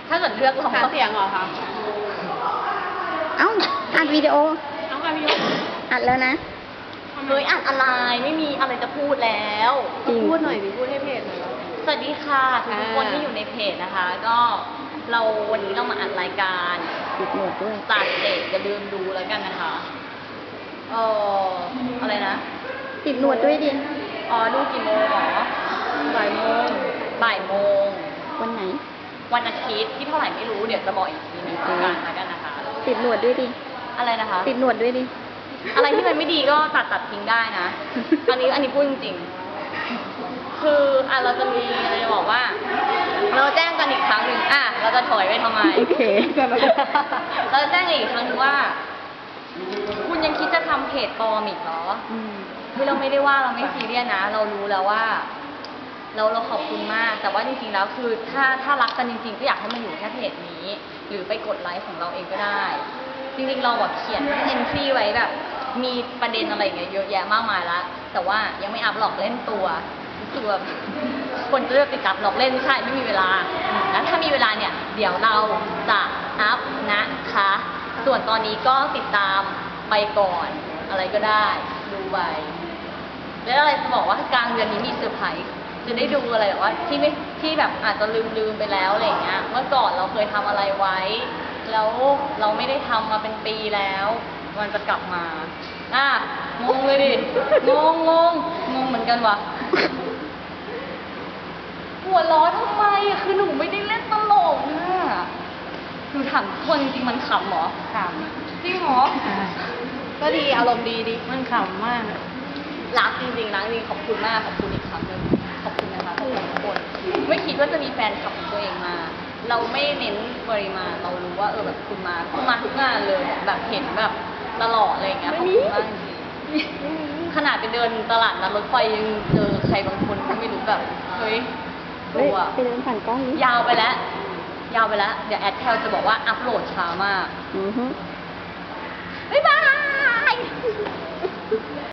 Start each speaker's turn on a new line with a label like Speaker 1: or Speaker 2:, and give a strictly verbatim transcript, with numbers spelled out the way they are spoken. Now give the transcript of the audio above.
Speaker 1: ถ้าเกิดเลือกลอง
Speaker 2: หาเสียงเหรอคะ
Speaker 3: เอ้าอัดวิดีโอ
Speaker 2: น้องกาพี่ยก
Speaker 3: อัดแล้วนะ
Speaker 1: เฮ้ยอ่านอะไรไม่มีอะไรจะพูดแล้ว
Speaker 3: จริง
Speaker 2: พูดหน่อยดิพูดให้เพจหน่อย
Speaker 1: สวัสดีค่ะทุก
Speaker 2: อ่า
Speaker 1: คนที่อยู่ในเพจนะคะ ก็เราวันนี้เรามาอัดรายการ
Speaker 3: ติดหนวดด้วย
Speaker 1: สตาร์เตจอย่าลืมดูแล้วกันนะคะเอออะไรนะ
Speaker 3: ติดหนวดด้วยดิ
Speaker 1: อ๋อดูกี่โมงหรอ
Speaker 2: บ่ายโมง
Speaker 1: บ่ายโมง
Speaker 3: วันไหน
Speaker 1: วันอาทิตย์ที่เท่าไหร่ไม่รู้เดี๋ยวจะบอกอีกทีหนึงแล้วกันแล้วกันนะคะ
Speaker 3: ติดหนวดด้วยดิ
Speaker 1: อะไรนะคะ
Speaker 3: ติดหนวดด้วยดิ
Speaker 1: อะไรที่มันไม่ดีก็ตัดตัดทิ้งได้นะ อันนี้อันนี้พูดจริงๆ คืออ่ะเราจะมีอะไรจะบอกว่า เราแจ้งกันอีกครั้งหนึ่งอ่ะเราจะถอยไปทำไม
Speaker 3: โอเค
Speaker 1: เราจะแจ้งอีกครั้งหนึงว่า คุณยังคิดจะทำเพจปลอมอีกเหรอ
Speaker 3: อืม
Speaker 1: คือเราไม่ได้ว่าเราไม่ซีเรียสนะ เรารู้แล้วว่า เราเราขอบคุณมาก แต่ว่าจริงๆแล้วคือถ้าถ้ารักกันจริงๆก็อยากให้มันอยู่แค่เพจนี้ หรือไปกดไลค์ของเราเองก็ได้ จริงๆเราแบบเขียนเอนทรีไว้แบบ มีประเด็นอะไรอย่างเงี้ยเยอะแยะมากมายละแต่ว่ายังไม่อัพหลอกเล่นตัวรู้สึกแบบคนจะเลือกติดกับหลอกเล่นไม่ใช่ไม่มีเวลาแล้วถ้ามีเวลาเนี่ยเดี๋ยวเราจะอัพนะคะ ส่วนตอนนี้ก็ติดตามไปก่อนอะไรก็ได้ดูไปแล้วอะไรจะบอกว่ากลางเดือนนี้มีเซอร์ไพรส์จะได้ดูอะไรแบบว่าที่ไม่ที่แบบอาจจะลืมลืมไปแล้วอะไรอย่างเงี้ยเมื่อก่อนเราเคยทำอะไรไว้ แล้วเราไม่ได้ทำมาเป็นปีแล้ว มันจะกลับมาอ่ะงงเลยดิ งงงงงงเหมือนกันวะหัวเร้อนทำไมอะคือหนูไม่ได้เล่นตลกนะหนูถามคนจริงๆมันขำเหรอ
Speaker 2: ข
Speaker 1: จริงเหรอ
Speaker 2: ำก็ดีอารมณ์ดีดิมันขำมาก
Speaker 1: รักจริงๆรักจริงขอบคุณมากขอบคุณอีกครั้งหนึ่งขอบคุณนะคะขอบคุณทุกคนไม่คิดว่าจะมีแฟนคลับของตัวเองมา เราไม่เน้นปริมาณเรารู้ว่าเออแบบคุณมาคุณมาทุกงานเลยแบบเห็นแบบตลอดอะไรอย่างเงี้ยขอบคุณมากจริงๆขนาดไปเดินตลาดนัดรถไฟยังเจอใครบางคนก็ไม่รู้แบบเฮ้ย
Speaker 3: เฮ้ย
Speaker 1: ตัว
Speaker 3: ไปเดินผ่านกล้องนี้
Speaker 1: ยาวไปแล้ว ยาวไปแล้ว เดี๋ยวแอดแทลจะบอกว่าอัพโหลดช้ามาก
Speaker 3: อือฮึ
Speaker 1: บ๊ายบาย